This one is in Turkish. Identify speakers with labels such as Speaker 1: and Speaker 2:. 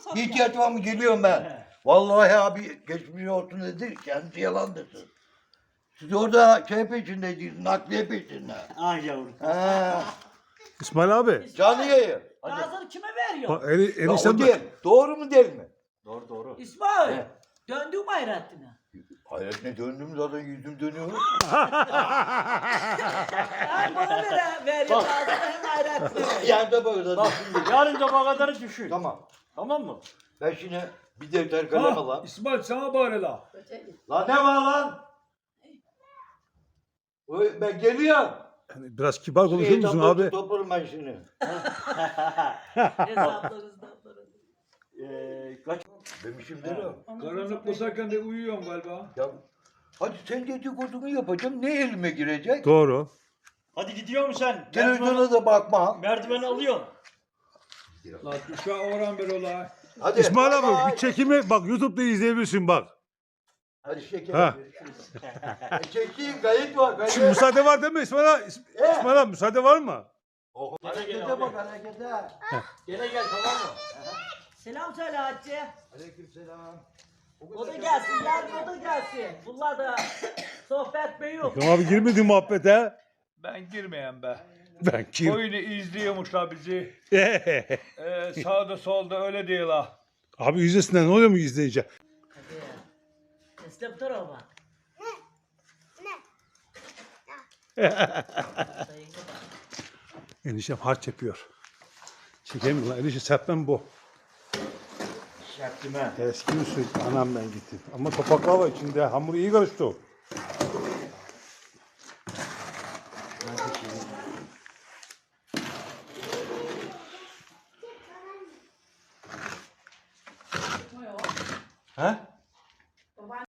Speaker 1: İhtiyaç var mı? Geliyorum ben. Vallahi abi geçmiş olsun dedi. Kendisi yalandırsın. Siz orada şey peşindeydiniz. Nakliye peşinde.
Speaker 2: Ah yavrum.
Speaker 1: Ha.
Speaker 3: İsmail abi.
Speaker 1: Canlı yayın.
Speaker 4: Gazını kime veriyor?
Speaker 3: Bak,
Speaker 1: Ya o
Speaker 3: eniştem
Speaker 1: değil. Doğru mu değil mi?
Speaker 2: Doğru doğru.
Speaker 4: İsmail.
Speaker 1: He.
Speaker 4: Döndün mü Hayrettin'e?
Speaker 1: Hayret ne döndüm zaten yüzüm dönüyor.
Speaker 4: Hem bana veriyor gazını hem Hayrettin'e veriyor.
Speaker 1: Yani de böyle
Speaker 2: Bak
Speaker 1: zaten.
Speaker 2: yarın sabaha kadar düşün.
Speaker 1: Tamam.
Speaker 2: Tamam mı?
Speaker 1: Ben şimdi bir defter kalem
Speaker 5: Ha,
Speaker 1: alayım.
Speaker 5: İsmail sana bari la.
Speaker 1: Lan ne var lan? Oy, ben geliyorum.
Speaker 3: Yani biraz kibar konuşur musun abi?
Speaker 1: Toplarım ben şimdi.
Speaker 4: Hesaplarınızdan sonra.
Speaker 2: Kaç?
Speaker 1: Demişim değil mi?
Speaker 5: Karanlık basarken de uyuyorsun galiba.
Speaker 1: Ya, hadi sen dedikodunu yapacağım. Ne elime girecek?
Speaker 3: Doğru.
Speaker 2: Hadi gidiyor musun sen?
Speaker 1: Televizyona da bakma.
Speaker 2: Merdiveni alıyorsun.
Speaker 5: La düşe oran bir olay.
Speaker 1: Hadi.
Speaker 3: İsmail
Speaker 1: bay
Speaker 3: abi
Speaker 1: bay.
Speaker 3: bir çekimi bak YouTube'da izleyebilirsin bak.
Speaker 1: Hadi şeker.
Speaker 3: Ha.
Speaker 1: Çekeyim kayıt var. Kayıt.
Speaker 3: Şimdi müsaade var değil mi İsmail abi? İsmail abi müsaade var mı?
Speaker 1: Oh,
Speaker 2: Gene gel
Speaker 1: harekete
Speaker 2: abi.
Speaker 1: bak harekete.
Speaker 2: Gene gel tamam mı?
Speaker 4: Selam söyle Hatice.
Speaker 1: Aleykümselam.
Speaker 4: O da gelsin, yarın o da gelsin. Bunlar da sohbet mi yok.
Speaker 3: Ekrem abi girmedi muhabbete.
Speaker 5: Ben girmeyen be.
Speaker 3: Ben kim?
Speaker 5: Oyunu izliyormuşlar bizi. Sağda solda öyle değil ha.
Speaker 3: Abi yüzdesinden ne oluyor mu izleyince?
Speaker 4: Hadi. Teslim dur o bak.
Speaker 3: Eniştem harç yapıyor. Çekeyim lan enişte serpmem bu.
Speaker 2: Yaptım ha.
Speaker 3: Eski usul anam ben gittim. Ama topaklar var içinde hamur iyi karıştı o.
Speaker 1: Ha?